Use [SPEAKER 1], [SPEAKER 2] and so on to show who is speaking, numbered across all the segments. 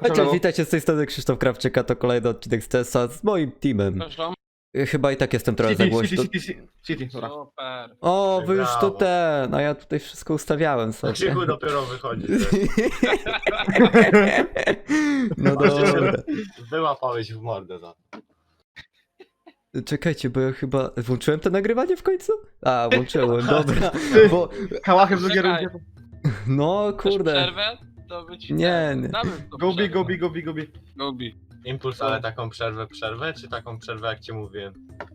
[SPEAKER 1] Cześć, witajcie z tej strony Krzysztof Krawczyk, a to kolejny odcinek z TESA z moim teamem.
[SPEAKER 2] Proszę.
[SPEAKER 1] Chyba i tak jestem trochę za głośno.
[SPEAKER 3] City, dobra.
[SPEAKER 2] Super.
[SPEAKER 1] O, wy już tu
[SPEAKER 4] Brawo.
[SPEAKER 1] a ja tutaj wszystko ustawiałem sobie.
[SPEAKER 4] Krzyku dopiero wychodzi.
[SPEAKER 1] No dobra.
[SPEAKER 4] Wyłapałeś w mordę za to.
[SPEAKER 1] Czekajcie, bo ja chyba... Włączyłem to nagrywanie w końcu? A, włączyłem, dobra. Bo...
[SPEAKER 3] Hałachy w drugiej
[SPEAKER 2] Czekaj.
[SPEAKER 3] rundzie.
[SPEAKER 1] No,
[SPEAKER 2] Chcesz
[SPEAKER 1] kurde.
[SPEAKER 2] przerwę? To być
[SPEAKER 1] Nie, nie.
[SPEAKER 2] Gobi.
[SPEAKER 4] Impuls, ale taką przerwę, czy taką przerwę jak ci mówiłem?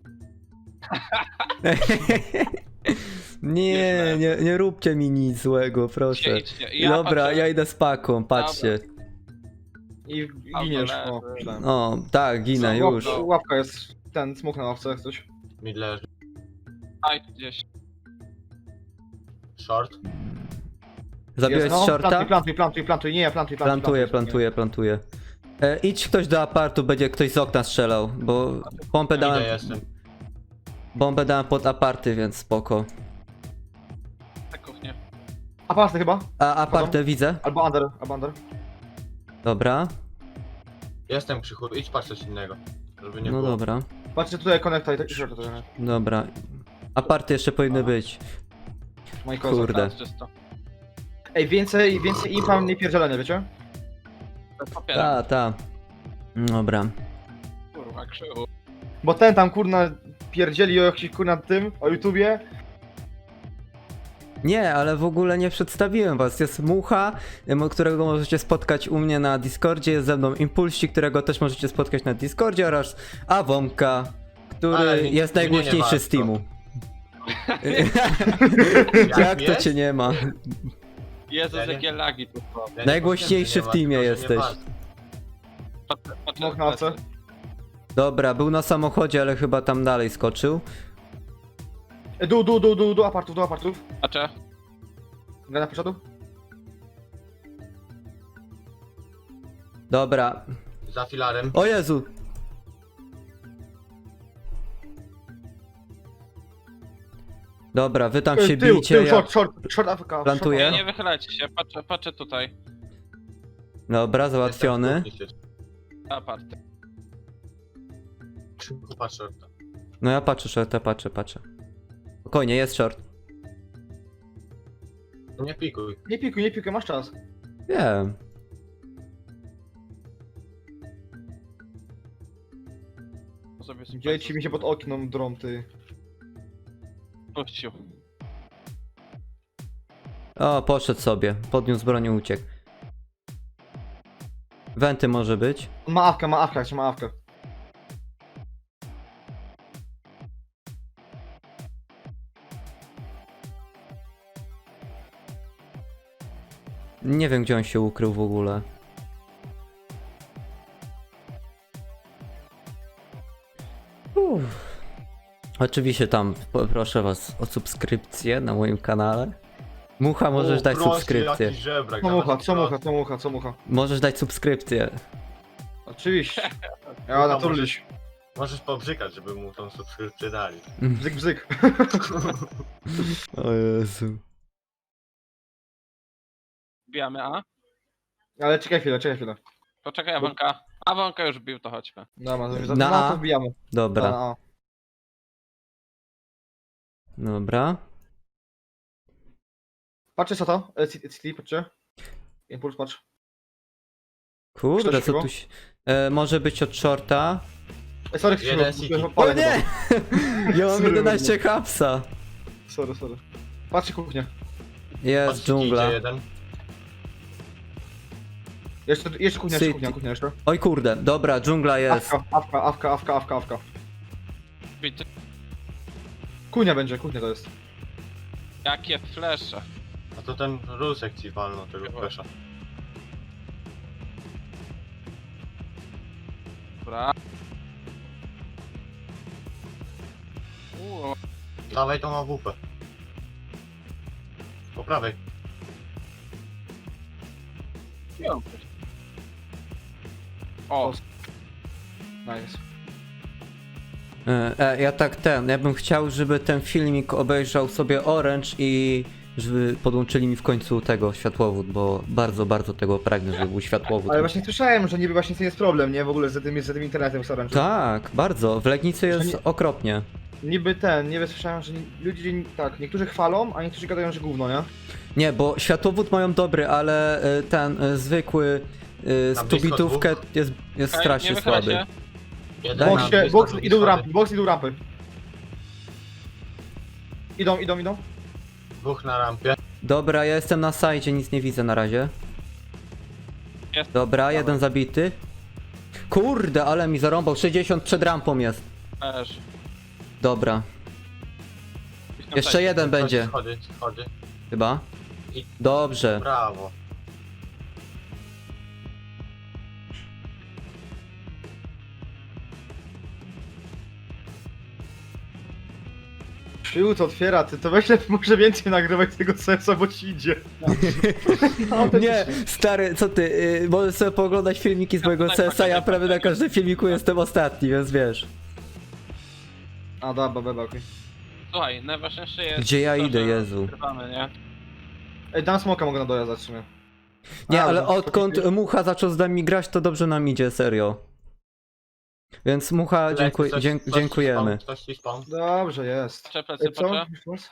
[SPEAKER 1] nie róbcie mi nic złego, proszę.
[SPEAKER 2] Idźcie.
[SPEAKER 1] Dobra, ja idę z paką, patrzcie.
[SPEAKER 3] I giniesz.
[SPEAKER 2] Albo
[SPEAKER 3] O, myślałem.
[SPEAKER 1] O, tak, ginę już.
[SPEAKER 3] Łapka jest. Ten smok na ławce, jak coś.
[SPEAKER 4] Mid leży.
[SPEAKER 2] Aj, gdzieś.
[SPEAKER 4] Short.
[SPEAKER 1] Zabiłeś
[SPEAKER 3] Jest, no,
[SPEAKER 1] shorta?
[SPEAKER 3] Plantuj, nie,
[SPEAKER 1] Plantuję. Idź ktoś do apartu, będzie ktoś z okna strzelał, bo
[SPEAKER 4] Idę jestem.
[SPEAKER 1] bombę dałem pod aparty, więc spoko.
[SPEAKER 2] Na kuchnię.
[SPEAKER 3] Aparty chyba?
[SPEAKER 1] A apartę widzę.
[SPEAKER 3] Albo under.
[SPEAKER 1] Dobra,
[SPEAKER 4] Jestem Krzychu, idź patrz coś innego. Żeby nie
[SPEAKER 1] no
[SPEAKER 4] było.
[SPEAKER 1] dobra,
[SPEAKER 3] Patrzcie tutaj, konekta i tak short to jest.
[SPEAKER 1] dobra. Aparty jeszcze powinny być.
[SPEAKER 3] Moi kozak.
[SPEAKER 1] Kurde.
[SPEAKER 2] Teraz czysto.
[SPEAKER 3] Ej, więcej impa, mniej pierdzielenia, wiecie?
[SPEAKER 2] Bez papiera.
[SPEAKER 1] Ta. Dobra.
[SPEAKER 2] Kurwa, krzywu.
[SPEAKER 3] Bo ten tam kurna pierdzieli o jakimś kurna tym, o YouTubie.
[SPEAKER 1] Nie, ale w ogóle nie przedstawiłem was. Jest Mucha, którego możecie spotkać u mnie na Discordzie. Jest ze mną Impulsik, którego też możecie spotkać na Discordzie, oraz Awomka, który
[SPEAKER 4] Ale
[SPEAKER 1] jest
[SPEAKER 4] mnie nie
[SPEAKER 1] najgłośniejszy
[SPEAKER 4] ma,
[SPEAKER 1] z teamu.
[SPEAKER 4] Jak
[SPEAKER 1] Jak to
[SPEAKER 4] jest?
[SPEAKER 1] cię nie ma?
[SPEAKER 2] Jezus,
[SPEAKER 4] Ja nie-
[SPEAKER 2] jakie lagi tu są.
[SPEAKER 4] Ja nie
[SPEAKER 1] Najgłośniejszy
[SPEAKER 4] powiem,
[SPEAKER 1] w
[SPEAKER 4] że nie
[SPEAKER 1] teamie
[SPEAKER 4] ma, tylko, że nie
[SPEAKER 1] jesteś.
[SPEAKER 4] ma.
[SPEAKER 3] Smok na ławce.
[SPEAKER 1] Dobra, był na samochodzie, ale chyba tam dalej skoczył.
[SPEAKER 3] Do apartów.
[SPEAKER 2] Patrzę.
[SPEAKER 3] Gana poszedł?
[SPEAKER 1] Dobra.
[SPEAKER 4] Za filarem.
[SPEAKER 1] O Jezu! Dobra, wy tam się
[SPEAKER 3] Tył,
[SPEAKER 1] bijcie, ja...
[SPEAKER 3] short AFK.
[SPEAKER 1] Plantuję.
[SPEAKER 2] Nie wychylajcie się, patrzę tutaj.
[SPEAKER 1] Dobra, załatwiony.
[SPEAKER 2] Aparty.
[SPEAKER 4] Krzychu, patrz shorta.
[SPEAKER 1] No ja patrzę, shorta, patrzę. Spokojnie, jest short.
[SPEAKER 4] Nie pikuj.
[SPEAKER 3] Nie pikuj, masz czas.
[SPEAKER 1] Wiem.
[SPEAKER 2] Sobie
[SPEAKER 3] Dzieci mi się pod oknem drą, ty.
[SPEAKER 2] puścił.
[SPEAKER 1] O, poszedł sobie. Podniósł broń i uciekł. Wenty może być.
[SPEAKER 3] Ma awkę.
[SPEAKER 1] Nie wiem, gdzie on się ukrył w ogóle. Oczywiście tam proszę was o subskrypcję na moim kanale. Mucha, możesz
[SPEAKER 4] O,
[SPEAKER 1] dać
[SPEAKER 4] proszę,
[SPEAKER 1] subskrypcję.
[SPEAKER 4] jaki żebrak,
[SPEAKER 3] Co mucha?
[SPEAKER 1] Możesz dać subskrypcję.
[SPEAKER 3] Oczywiście. Ja naturliś.
[SPEAKER 4] Możesz pobrzykać, żeby mu tą subskrypcję dali.
[SPEAKER 3] Bzyk.
[SPEAKER 1] O Jezu.
[SPEAKER 2] Wbijamy A.
[SPEAKER 3] Ale czekaj chwilę.
[SPEAKER 2] Poczekaj, Awonka. Awonka już bił, to chodźmy.
[SPEAKER 3] Dobra,
[SPEAKER 1] Na A?
[SPEAKER 3] to wbijamy.
[SPEAKER 1] Dobra,
[SPEAKER 3] Na A.
[SPEAKER 1] dobra.
[SPEAKER 3] Patrzcie co to? City, patrzcie. Impuls, patrz.
[SPEAKER 1] Kurde,
[SPEAKER 3] Ktoś
[SPEAKER 1] co
[SPEAKER 3] chyba?
[SPEAKER 1] tu się... Może być od shorta.
[SPEAKER 3] Sorry,
[SPEAKER 4] Jeden
[SPEAKER 3] Krzysztof,
[SPEAKER 4] City.
[SPEAKER 1] O
[SPEAKER 3] palę
[SPEAKER 1] nie! Ja mam
[SPEAKER 3] Sorry,
[SPEAKER 1] 11 hapsa.
[SPEAKER 3] chyba. Sorry. Patrzcie kuchnię.
[SPEAKER 1] Jest
[SPEAKER 4] Patrz,
[SPEAKER 1] dżungla.
[SPEAKER 4] idzie jeden.
[SPEAKER 3] Jeszcze kuchnia,
[SPEAKER 1] City.
[SPEAKER 3] kuchnia jeszcze.
[SPEAKER 1] Oj kurde, dobra, dżungla jest.
[SPEAKER 3] Awka.
[SPEAKER 2] Bity.
[SPEAKER 3] Kuchnia to jest.
[SPEAKER 2] Jakie flesze.
[SPEAKER 4] A to ten rusek ci walnął tego flesza.
[SPEAKER 2] Dobra.
[SPEAKER 4] Dawaj tą AWP. Po prawej.
[SPEAKER 2] O,
[SPEAKER 3] Nice.
[SPEAKER 1] Ja bym chciał, żeby ten filmik obejrzał sobie Orange i żeby podłączyli mi w końcu tego światłowód, bo bardzo, bardzo tego pragnę, żeby był światłowód.
[SPEAKER 3] Ale właśnie słyszałem, że niby właśnie to jest problem, nie? W ogóle z tym internetem w Orange.
[SPEAKER 1] Tak, bardzo. W Legnicy jest
[SPEAKER 3] nie-
[SPEAKER 1] okropnie.
[SPEAKER 3] Niby słyszałem, że ludzie, tak, niektórzy chwalą, a niektórzy gadają, że gówno, nie?
[SPEAKER 1] Nie, bo światłowód mają dobry, ale ten zwykły z
[SPEAKER 4] Tam blisko
[SPEAKER 1] tubitówkę
[SPEAKER 4] dwóch.
[SPEAKER 1] jest
[SPEAKER 2] Okej,
[SPEAKER 1] strasznie
[SPEAKER 2] nie wychylaj
[SPEAKER 1] słaby.
[SPEAKER 2] się.
[SPEAKER 4] Jeden
[SPEAKER 1] Daj
[SPEAKER 4] na
[SPEAKER 1] nam
[SPEAKER 4] blisko,
[SPEAKER 3] Box
[SPEAKER 4] drugi
[SPEAKER 3] idą
[SPEAKER 4] schody.
[SPEAKER 3] rampy, box idą rampy. Idą.
[SPEAKER 4] Dwóch na rampie.
[SPEAKER 1] Dobra, ja jestem na sajdzie, nic nie widzę na razie.
[SPEAKER 2] Jest.
[SPEAKER 1] Dobra, jeden zabity. Kurde, ale mi zarąbał, 60 przed rampą jest.
[SPEAKER 2] Leży.
[SPEAKER 1] Dobra,
[SPEAKER 2] Gdzieś tam
[SPEAKER 1] jeszcze
[SPEAKER 2] tak.
[SPEAKER 1] jeden będzie,
[SPEAKER 4] Schody.
[SPEAKER 1] chyba.
[SPEAKER 4] I-
[SPEAKER 1] Dobrze.
[SPEAKER 4] Brawo.
[SPEAKER 3] Przyłód otwiera, ty to weź może więcej nagrywać tego sensa, bo ci idzie. No,
[SPEAKER 1] Nie, stary, co ty, możesz sobie pooglądać filmiki z mojego
[SPEAKER 2] tak,
[SPEAKER 1] CS-a, ja
[SPEAKER 2] tak,
[SPEAKER 1] prawie
[SPEAKER 2] tak.
[SPEAKER 1] na każdym filmiku jestem ostatni, więc wiesz.
[SPEAKER 3] A, dobra, okej.
[SPEAKER 2] Słuchaj, najważniejsze jest
[SPEAKER 1] Gdzie ja
[SPEAKER 2] to,
[SPEAKER 1] idę,
[SPEAKER 2] że
[SPEAKER 1] Jezu?
[SPEAKER 2] Wygrywamy, nie?
[SPEAKER 3] Ej, dam smoka mogę na dojazd w sumie.
[SPEAKER 1] Nie,
[SPEAKER 3] A,
[SPEAKER 1] ale
[SPEAKER 3] że-
[SPEAKER 1] odkąd Mucha zaczął z nami grać, to dobrze nam idzie, serio. Więc Mucha, dziękujemy.
[SPEAKER 4] Ktoś ci spawn.
[SPEAKER 3] Dobrze, jest.
[SPEAKER 2] Patrzę, plecy,
[SPEAKER 3] Ej, co?
[SPEAKER 2] patrzę.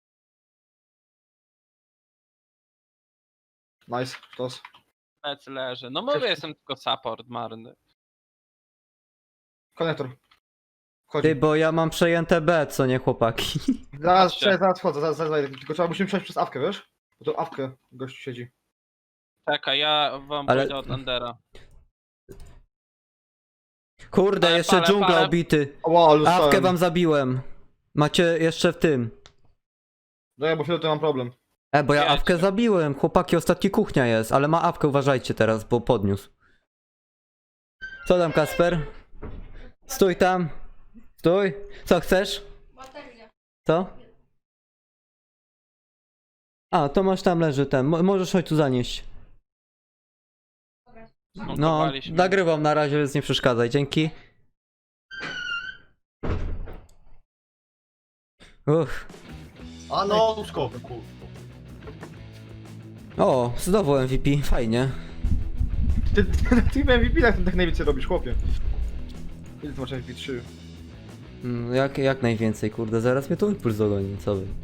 [SPEAKER 3] Nice, sztos.
[SPEAKER 2] Plecy leży. No mówię, jestem tylko support marny.
[SPEAKER 3] Konektor. Chodź.
[SPEAKER 1] Ty, bo ja mam przejęte B, co nie, chłopaki?
[SPEAKER 3] Zaraz wchodzę, zaraz, tylko musimy przejść przez awkę, wiesz? Bo to awkę gościu siedzi.
[SPEAKER 2] Czekaj, ja wam
[SPEAKER 1] Ale-
[SPEAKER 2] pójdę od Endera.
[SPEAKER 1] Kurde,
[SPEAKER 2] Ale
[SPEAKER 1] jeszcze
[SPEAKER 2] parę,
[SPEAKER 1] dżungla
[SPEAKER 2] parę.
[SPEAKER 1] obity.
[SPEAKER 3] O, ale
[SPEAKER 1] Awkę wam zabiłem. Macie jeszcze w tym.
[SPEAKER 3] No ja, bo chwilę to mam problem.
[SPEAKER 1] Bo ja
[SPEAKER 2] Wiecie.
[SPEAKER 1] awkę zabiłem. Chłopaki, ostatni kuchnia jest, ale ma awkę, uważajcie teraz, bo podniósł. Co tam, Kasper? Stój tam. Stój. Co chcesz? Co? A, to masz tam leży ten. Możesz chodź tu zanieść. No,
[SPEAKER 2] Zmontowaliśmy.
[SPEAKER 1] nagrywam na razie, więc nie przeszkadzaj. Dzięki. Uff.
[SPEAKER 4] A no, skok, kurwa.
[SPEAKER 1] O, znowu MVP, fajnie.
[SPEAKER 3] Ty MVP tak najwięcej robisz, chłopie. Ile ty masz MVP? 3.
[SPEAKER 1] Jak najwięcej, kurde, zaraz mnie tu impuls dogoni, co wy.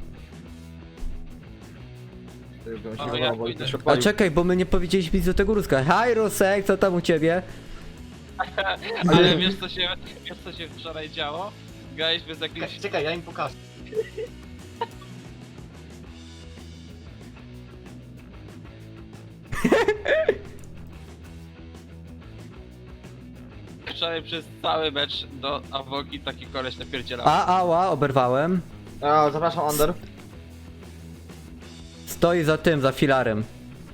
[SPEAKER 2] Ale ja pójdę.
[SPEAKER 1] A czekaj, bo my nie powiedzieliśmy nic do tego ruska. Hi Rusek, co tam u ciebie?
[SPEAKER 2] Ale wiesz co się wczoraj działo? Grałeś bez jakiejś...
[SPEAKER 4] Czekaj, ja im pokażę.
[SPEAKER 2] Wczoraj przez cały mecz do Awoki taki koleś napierdzielał.
[SPEAKER 1] Ała, oberwałem.
[SPEAKER 3] A, zapraszam, Under.
[SPEAKER 1] Stoi za tym, za filarem.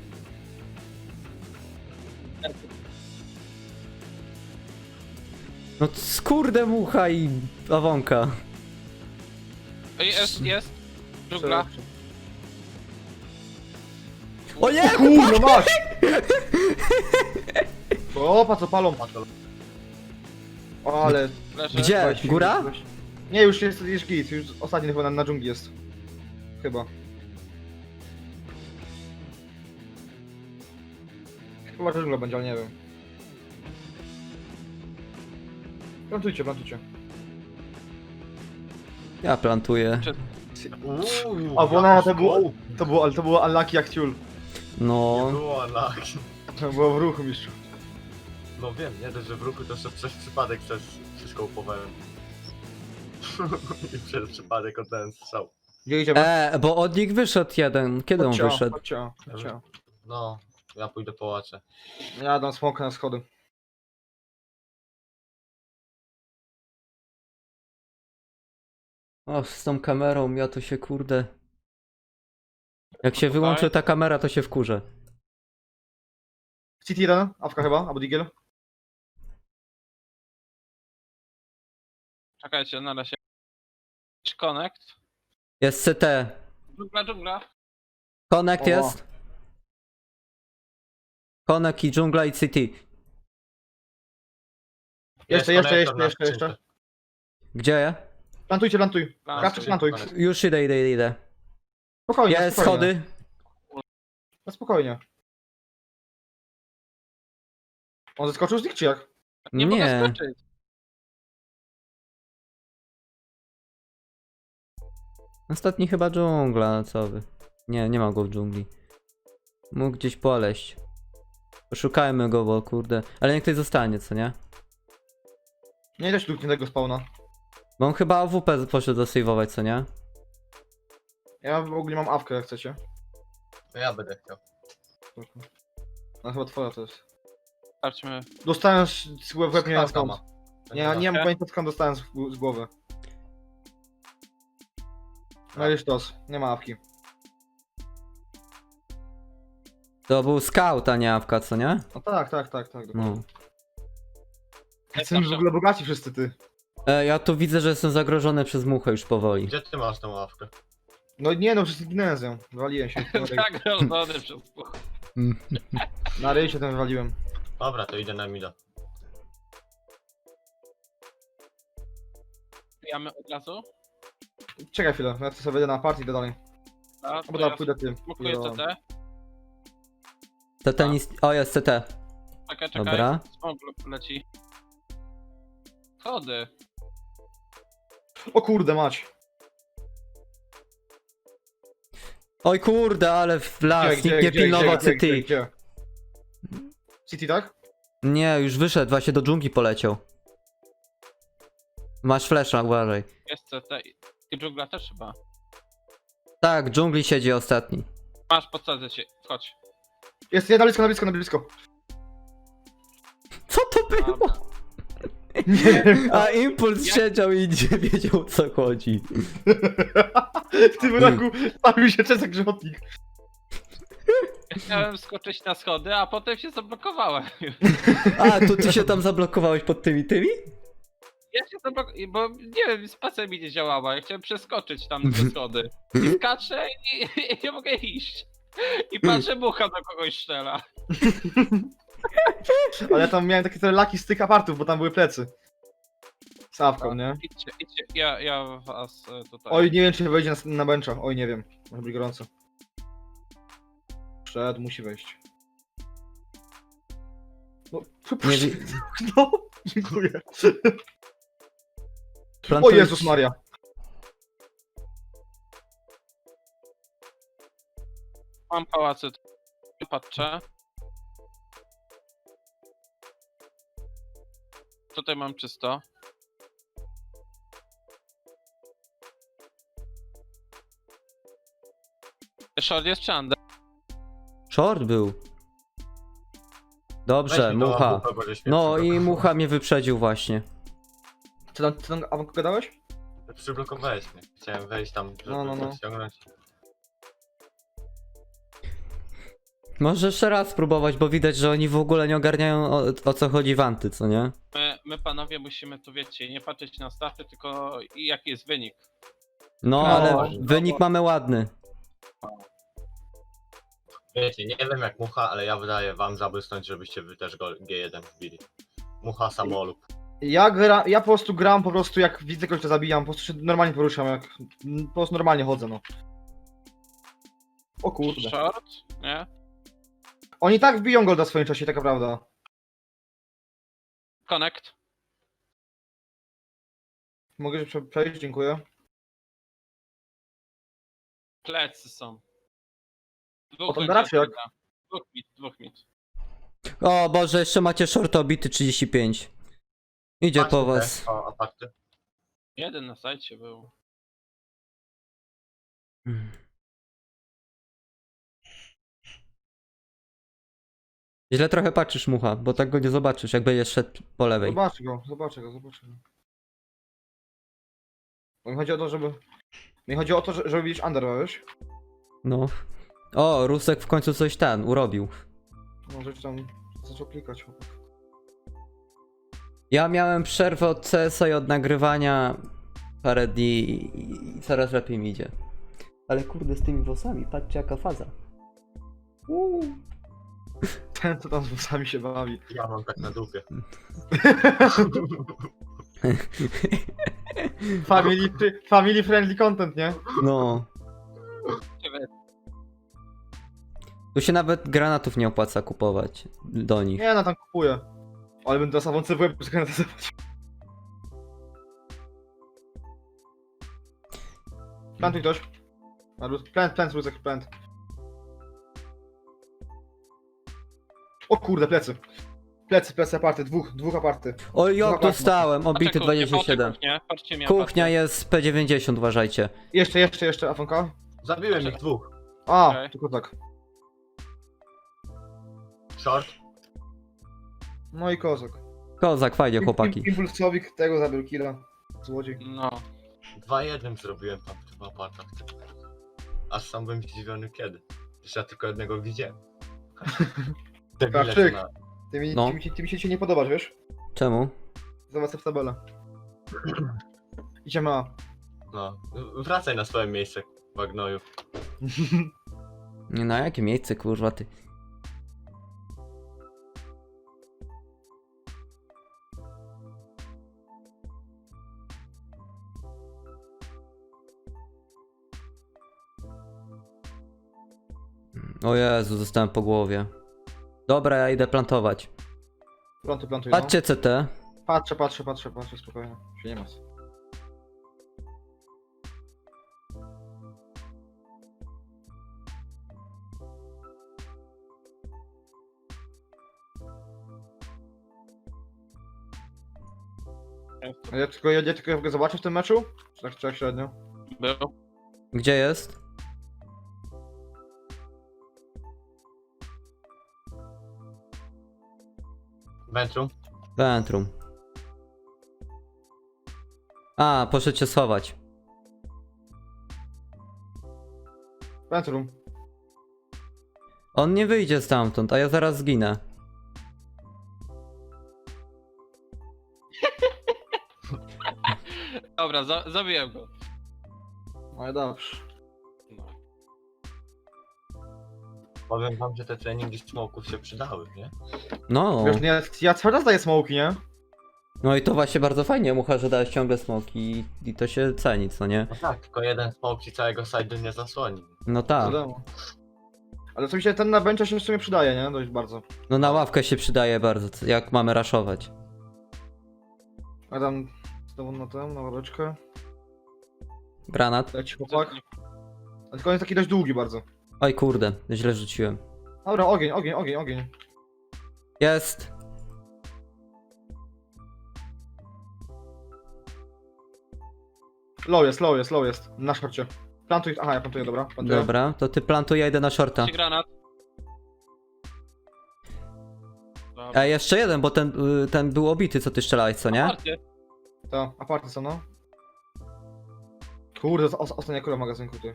[SPEAKER 1] No skurde mucha i awonka.
[SPEAKER 2] Jest. Dżungla.
[SPEAKER 1] O nie,
[SPEAKER 3] Kurno, masz! Opa, co palą. O, ale...
[SPEAKER 2] Leży.
[SPEAKER 1] Gdzie? Góra?
[SPEAKER 3] Nie, już jest git, już ostatni chyba na dżungli jest. Chyba. Chyba, że dżungla będzie, ale nie wiem. Plantujcie.
[SPEAKER 1] Ja plantuję.
[SPEAKER 3] A bo ona to było unlucky jak ciul.
[SPEAKER 4] Nie
[SPEAKER 1] No.
[SPEAKER 4] było lak.
[SPEAKER 3] To było w ruchu, mistrzu.
[SPEAKER 4] No wiem, nie dość, że w ruchu to jeszcze przez przypadek wszystko upowałem. I przez przypadek oddałem strzał.
[SPEAKER 3] Gdzie idziemy?
[SPEAKER 1] Bo od nich wyszedł jeden. Kiedy on wyszedł?
[SPEAKER 3] Chodźcie.
[SPEAKER 4] No, ja pójdę po łacze.
[SPEAKER 3] Ja dam smoka na schody.
[SPEAKER 1] O, z tą kamerą, ja to się kurde. Jak się wyłączy ta kamera, to się wkurzę.
[SPEAKER 3] City 1, awka chyba, albo Digel.
[SPEAKER 2] Czekajcie, na razie. Connect.
[SPEAKER 1] Jest CT.
[SPEAKER 2] Dżungla.
[SPEAKER 1] Connect
[SPEAKER 3] O.
[SPEAKER 1] jest. Connect i dżungla i city.
[SPEAKER 3] Jeszcze.
[SPEAKER 1] Gdzie?
[SPEAKER 3] Plantuj.
[SPEAKER 2] Plantuj.
[SPEAKER 3] Krawczyk, plantuj.
[SPEAKER 1] Już idę.
[SPEAKER 3] Spokojnie,
[SPEAKER 1] Jest
[SPEAKER 3] spokojnie.
[SPEAKER 1] schody.
[SPEAKER 3] No spokojnie. On zeskoczył z nich czy jak?
[SPEAKER 2] Nie mogę
[SPEAKER 1] Nie.
[SPEAKER 2] skoczyć.
[SPEAKER 1] Ostatni chyba dżungla, co wy. Nie, nie ma go w dżungli. Mógł gdzieś poleść. Poszukajmy go, bo kurde. Ale niech ktoś zostanie, co nie?
[SPEAKER 3] Nie da się do tego spawna.
[SPEAKER 1] Bo on chyba AWP poszedł zasejwować, co nie?
[SPEAKER 3] Ja w ogóle mam awkę jak chcecie.
[SPEAKER 4] To ja będę chciał.
[SPEAKER 3] Spoko. No chyba twoja to jest.
[SPEAKER 2] Patrzmy.
[SPEAKER 3] Dostałem z łeb nie wiem
[SPEAKER 4] Skąd
[SPEAKER 3] skąd.
[SPEAKER 4] ma? To
[SPEAKER 3] Nie, nie mam pojęcia skąd dostałem z głowy. No i sztos, nie ma awki.
[SPEAKER 1] To był scout, a nie AWK, co nie?
[SPEAKER 3] No tak.
[SPEAKER 1] No.
[SPEAKER 3] Jesteśmy w ogóle bogaci wszyscy ty.
[SPEAKER 1] Ja tu widzę, że jestem zagrożony przez muchę już powoli.
[SPEAKER 4] Gdzie ty masz tą ławkę?
[SPEAKER 3] No nie no, wszyscy ginęłem z nią. Wywaliłem się.
[SPEAKER 2] Zagrożony przez
[SPEAKER 3] Na ryj się ten wywaliłem.
[SPEAKER 4] Dobra, to idę na mida.
[SPEAKER 2] Wbijamy od razu.
[SPEAKER 3] Czekaj chwilę, ja tu sobie wejdę na party i idę dalej.
[SPEAKER 2] A,
[SPEAKER 3] Albo
[SPEAKER 2] to
[SPEAKER 3] dobra,
[SPEAKER 2] ja
[SPEAKER 3] pójdę tym.
[SPEAKER 2] smokuję CT.
[SPEAKER 1] CT nic... O, jest CT.
[SPEAKER 2] Czekaj.
[SPEAKER 1] Dobra.
[SPEAKER 2] Smok leci. Schody.
[SPEAKER 3] O kurde mać.
[SPEAKER 1] Oj kurde, ale w las, nikt nie pilnował CT.
[SPEAKER 3] Gdzie? City tak?
[SPEAKER 1] Nie, już wyszedł, właśnie do dżungli poleciał. Masz flesza, uważaj.
[SPEAKER 2] Jest CT. I dżungla też chyba.
[SPEAKER 1] Tak, w dżungli siedzi ostatni.
[SPEAKER 2] Masz, podsadzę cię. Chodź.
[SPEAKER 3] Jest, na blisko.
[SPEAKER 1] Co to było?
[SPEAKER 2] Dobra.
[SPEAKER 1] A impuls siedział i nie wiedział, o co chodzi.
[SPEAKER 3] W tym roku stawił się czesek grzechotnik.
[SPEAKER 2] Chciałem skoczyć na schody, a potem się zablokowałem.
[SPEAKER 1] A, to ty się tam zablokowałeś pod tymi?
[SPEAKER 2] Ja się zablokowałem, bo nie wiem, spacja mi nie działała. Ja chciałem przeskoczyć tam te schody. I skaczę i nie mogę iść. I patrzę, mucha do kogoś strzela.
[SPEAKER 3] Ale ja tam miałem takie trochę laki styk apartów, bo tam były plecy. Z awką, nie?
[SPEAKER 2] Idźcie. Ja was tutaj.
[SPEAKER 3] Oj, nie wiem czy wejdzie na bencha. Oj, nie wiem. Może być gorąco. Przed, musi wejść. No,
[SPEAKER 1] Nie wi-
[SPEAKER 3] no, dziękuję. O
[SPEAKER 1] Plantujesz-
[SPEAKER 3] Jezus Maria.
[SPEAKER 2] Mam pałacyt. Patrzę. Tutaj mam czysto. Short jest czy under?
[SPEAKER 1] Short był. Dobrze,
[SPEAKER 4] Weź mi tą
[SPEAKER 1] mucha.
[SPEAKER 4] ławkę, bo żeś mnie
[SPEAKER 1] No i
[SPEAKER 4] przyblokował.
[SPEAKER 1] mucha mnie wyprzedził właśnie.
[SPEAKER 3] Co tam awką gadałeś?
[SPEAKER 4] Przyblokowałeś mnie. Chciałem wejść tam, żeby
[SPEAKER 3] No.
[SPEAKER 4] ściągnąć.
[SPEAKER 1] Może jeszcze raz spróbować, bo widać, że oni w ogóle nie ogarniają o co chodzi w anty, co nie?
[SPEAKER 2] My panowie musimy tu, wiecie, nie patrzeć na staty, tylko jaki jest wynik.
[SPEAKER 1] No,
[SPEAKER 3] No,
[SPEAKER 1] ale
[SPEAKER 3] no.
[SPEAKER 1] wynik mamy ładny.
[SPEAKER 4] Wiecie, nie wiem jak mucha, ale ja wydaję wam zabłysnąć, żebyście wy też go G1 wbili. Mucha samolub.
[SPEAKER 3] Ja po prostu gram, po prostu jak widzę kogoś to zabijam, po prostu się normalnie poruszam, jak po prostu normalnie chodzę, no. O kurde.
[SPEAKER 2] Short? Nie?
[SPEAKER 3] Oni tak wbiją golda w swoim czasie, taka prawda.
[SPEAKER 2] Connect.
[SPEAKER 3] Mogę się przejść, dziękuję.
[SPEAKER 2] Plecy są.
[SPEAKER 3] O, to raczej jak-
[SPEAKER 2] Dwóch mit.
[SPEAKER 1] O Boże, jeszcze macie short obity 35. Idzie
[SPEAKER 4] Patrzcie
[SPEAKER 1] po
[SPEAKER 4] te-
[SPEAKER 1] was.
[SPEAKER 4] O, aparty.
[SPEAKER 2] Jeden na sajcie był.
[SPEAKER 1] Źle trochę patrzysz, mucha, bo tak go nie zobaczysz, jak będziesz szedł po lewej.
[SPEAKER 3] Zobaczę go. Bo mi chodzi o to, żeby... Mi chodzi o to, żeby widzieć under, wiesz?
[SPEAKER 1] No. O, Rusek w końcu coś urobił.
[SPEAKER 3] Może ci tam zaczął klikać, chłopak.
[SPEAKER 1] Ja miałem przerwę od CS-a i od nagrywania parę dni i coraz lepiej mi idzie. Ale kurde, z tymi włosami, patrzcie jaka faza.
[SPEAKER 3] Ten, co tam z włosami się bawi.
[SPEAKER 4] Ja mam tak na dupie.
[SPEAKER 3] Family friendly content, nie?
[SPEAKER 1] No.
[SPEAKER 2] Ciebie
[SPEAKER 1] Tu się nawet granatów nie opłaca kupować do nich.
[SPEAKER 3] Nie, no tam kupuję. Ale będę zasawący w łeb, czekaj na to zobaczyć. Plantuj ktoś. Plant, Rusek, plant. O kurde, plecy. Plecy aparty, dwóch aparty.
[SPEAKER 1] O,
[SPEAKER 3] Dwa
[SPEAKER 1] jo, dostałem, obity
[SPEAKER 2] Patrzę kuchnię,
[SPEAKER 1] 27.
[SPEAKER 2] patrzcie mnie,
[SPEAKER 1] Kuchnia jest P90, uważajcie.
[SPEAKER 3] Jeszcze, Afonka.
[SPEAKER 4] Zabiłem ich dwóch.
[SPEAKER 3] A,
[SPEAKER 2] Okej.
[SPEAKER 3] tylko tak.
[SPEAKER 4] Short.
[SPEAKER 3] No i kozak.
[SPEAKER 1] Kozak, fajnie chłopaki.
[SPEAKER 3] Impulsowik tego zabił killa. Złodziej.
[SPEAKER 2] No.
[SPEAKER 4] 2-1 zrobiłem tam w tym apartach. Aż sam byłem zdziwiony kiedy. Przecież ja tylko jednego widziałem. Debile to
[SPEAKER 3] Krawczyk.
[SPEAKER 4] na...
[SPEAKER 1] No.
[SPEAKER 3] Ty mi się dzisiaj nie podobasz, wiesz?
[SPEAKER 1] Czemu?
[SPEAKER 3] Zobacz w tabelę. Idziemy A.
[SPEAKER 4] No. Wracaj na swoje miejsce, Wagnoju.
[SPEAKER 1] Nie, na jakie miejsce, kurwa, ty? O Jezu, zostałem po głowie. Dobra, ja idę plantować.
[SPEAKER 3] Plantuj, no.
[SPEAKER 1] Patrzcie CT.
[SPEAKER 3] Patrzę, spokojnie. Się nie ma. A ja tylko go zobaczę w tym meczu? Czy tak średnio?
[SPEAKER 2] Był.
[SPEAKER 1] Gdzie jest?
[SPEAKER 4] Ventrum.
[SPEAKER 1] Ventrum. A, poszedł się schować.
[SPEAKER 3] Ventrum.
[SPEAKER 1] On nie wyjdzie stamtąd, a ja zaraz zginę.
[SPEAKER 2] Dobra, zabiłem go.
[SPEAKER 3] No i dobrze.
[SPEAKER 2] No.
[SPEAKER 4] Powiem wam, że te treningi smoków się przydały, nie?
[SPEAKER 1] No.
[SPEAKER 3] Wiesz, nie, ja cały czas daję smoki, nie?
[SPEAKER 1] No i to właśnie bardzo fajnie, Mucha, że dałeś ciągle smoki i to się ceni, co nie?
[SPEAKER 4] No tak, tylko jeden smoke ci całego side'u nie zasłoni.
[SPEAKER 1] No tak.
[SPEAKER 3] Wiadomo. Ale co mi się ten na bencha się w sumie przydaje, nie? Dość bardzo.
[SPEAKER 1] No na ławkę się przydaje bardzo, jak mamy raszować.
[SPEAKER 3] A tam znowu na ławeczkę.
[SPEAKER 1] Granat.
[SPEAKER 3] Leci chłopak. Ale tylko on jest taki dość długi bardzo.
[SPEAKER 1] Oj kurde, źle rzuciłem.
[SPEAKER 3] Dobra, ogień.
[SPEAKER 1] Jest.
[SPEAKER 3] Low jest. Na szorcie. Plantuj, aha, ja plantuję, dobra. Plantuję.
[SPEAKER 1] Dobra, to ty plantuj, ja idę na shorta.
[SPEAKER 2] Ci granat. Dobra.
[SPEAKER 1] A jeszcze jeden, bo ten był obity, co ty strzelałeś, co nie?
[SPEAKER 2] Aparty.
[SPEAKER 3] To, aparty są, no. Kurde, ostatnia kula w magazynku, ty.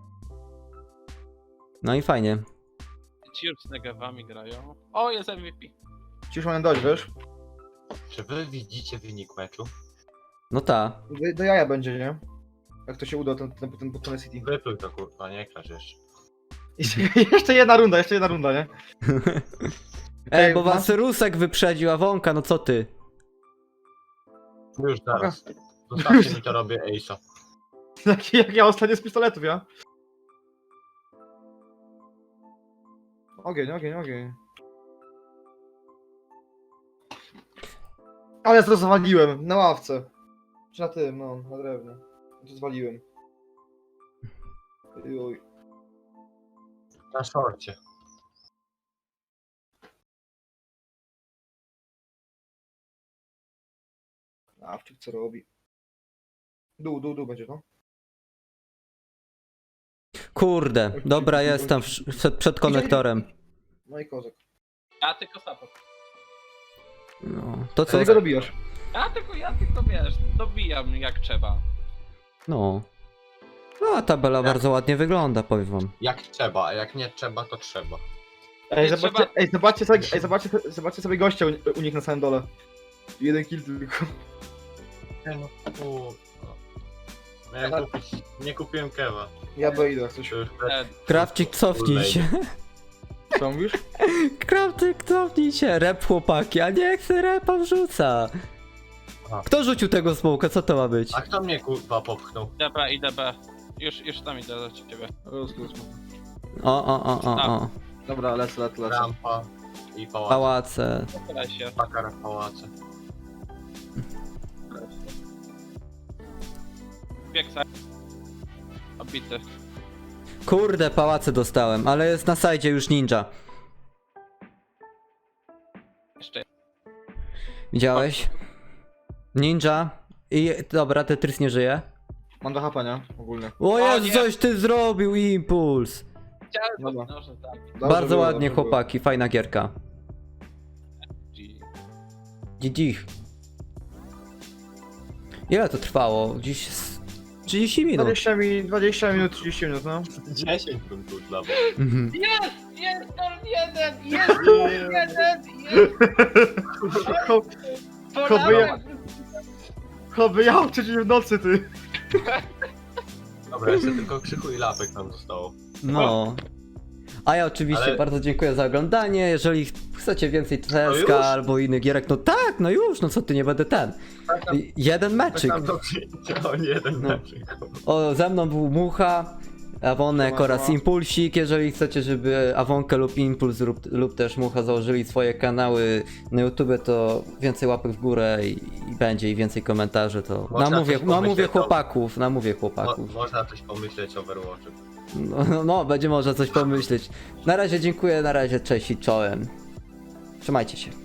[SPEAKER 1] No i fajnie.
[SPEAKER 2] Ci już z negawami grają. O, jest MVP.
[SPEAKER 3] Ci już mają dojść, wiesz?
[SPEAKER 4] Czy wy widzicie wynik meczu?
[SPEAKER 1] No ta.
[SPEAKER 3] Do jaja będzie, nie? Jak to się uda, ten Botany City.
[SPEAKER 4] Wypluj to kurwa, nie krasz jeszcze.
[SPEAKER 3] Jeszcze jedna runda, nie?
[SPEAKER 1] Ej, bo
[SPEAKER 3] Okej,
[SPEAKER 1] was Rusek wyprzedził, a Wonka, no co ty?
[SPEAKER 4] Już zaraz. Zostawcie mi to robię Ace'a.
[SPEAKER 3] Jak ja ostatnio z pistoletów, ja? Ogień. Ale ja to zwaliłem, na ławce. Czy na tym, no, na drewnie. To zwaliłem. Oj.
[SPEAKER 4] Na szorcie.
[SPEAKER 3] Awczyk co robi? Dół będzie, no?
[SPEAKER 1] Kurde, dobra, jestem przed konektorem.
[SPEAKER 3] No i kozak.
[SPEAKER 2] Ja tylko support.
[SPEAKER 1] No, to co?
[SPEAKER 3] Co ty go dobijasz?
[SPEAKER 2] Ja tylko wiesz, dobijam jak trzeba.
[SPEAKER 1] No. No, a tabela bardzo ładnie wygląda, powiem wam.
[SPEAKER 4] Jak trzeba, a jak nie trzeba, to trzeba.
[SPEAKER 3] Ej,
[SPEAKER 2] Nie
[SPEAKER 3] zobaczcie sobie gościa u nich na samym dole. Jeden kill tylko.
[SPEAKER 4] No kurwa. Nie kupiłem kewa.
[SPEAKER 3] Ja B idę, jak coś.
[SPEAKER 4] To już
[SPEAKER 1] Krawczyk, cofnij się.
[SPEAKER 3] Co mówisz?
[SPEAKER 1] Krawczyk, cofnij się. Rep chłopaki, a nie chcę repa wrzuca.
[SPEAKER 4] Aha.
[SPEAKER 1] Kto rzucił tego smoka? Co to ma być?
[SPEAKER 4] A kto mnie kurwa popchnął?
[SPEAKER 2] IDB. Już tam idę do ciebie.
[SPEAKER 3] Rozkaz.
[SPEAKER 1] O.
[SPEAKER 3] Dobra, lecę.
[SPEAKER 4] rampa i pałac.
[SPEAKER 1] Pałace.
[SPEAKER 2] W lesie.
[SPEAKER 4] Pakara w pałace.
[SPEAKER 2] Bieg sobie. Obity.
[SPEAKER 1] Kurde, pałace dostałem, ale jest na sajdzie już ninja.
[SPEAKER 2] Jeszcze.
[SPEAKER 1] Widziałeś? Ninja. I dobra, Tetris nie żyje.
[SPEAKER 3] Mam do HP, nie? Ogólnie.
[SPEAKER 1] O Jezu,
[SPEAKER 2] nie.
[SPEAKER 1] coś ty zrobił, impuls.
[SPEAKER 2] Chciałem,
[SPEAKER 3] Dobra.
[SPEAKER 2] no, że tak.
[SPEAKER 3] Dobrze
[SPEAKER 1] Bardzo
[SPEAKER 3] było,
[SPEAKER 1] ładnie,
[SPEAKER 3] dobrze było.
[SPEAKER 1] chłopaki, fajna gierka. GG. Ile to trwało? Dziś 30 minut.
[SPEAKER 3] 20 minut, 30 minut, no.
[SPEAKER 4] 10 bym tu dla was.
[SPEAKER 1] Mhm.
[SPEAKER 2] Jest Torn 1! Jest Torn 1! Jest! Polałem!
[SPEAKER 3] Choby ja przecież w nocy, ty.
[SPEAKER 4] Dobra, jeszcze tylko Krzychu i Lapek nam zostało.
[SPEAKER 1] No. A ja oczywiście
[SPEAKER 4] Ale-
[SPEAKER 1] bardzo dziękuję za oglądanie. Jeżeli chcecie więcej
[SPEAKER 4] już?
[SPEAKER 1] TSK albo innych gierek, no tak, no już, no co ty, nie będę ten. Jeden
[SPEAKER 4] Tak
[SPEAKER 1] meczyk.
[SPEAKER 4] nam do przyjęcia, o nie, jeden
[SPEAKER 1] No.
[SPEAKER 4] meczyk.
[SPEAKER 1] O, ze mną był Mucha, Awonek
[SPEAKER 3] Siema,
[SPEAKER 1] oraz
[SPEAKER 3] siema.
[SPEAKER 1] Impulsik. Jeżeli chcecie, żeby Awonkę lub Impuls lub też Mucha założyli swoje kanały na YouTube, to więcej łapek w górę i będzie i więcej komentarzy, to
[SPEAKER 4] Można
[SPEAKER 1] namówię,
[SPEAKER 4] coś pomyśleć
[SPEAKER 1] namówię chłopaków.
[SPEAKER 4] Można coś pomyśleć o Overwatchu.
[SPEAKER 1] No, będzie można coś pomyśleć. Na razie dziękuję, na razie cześć i czołem. Trzymajcie się.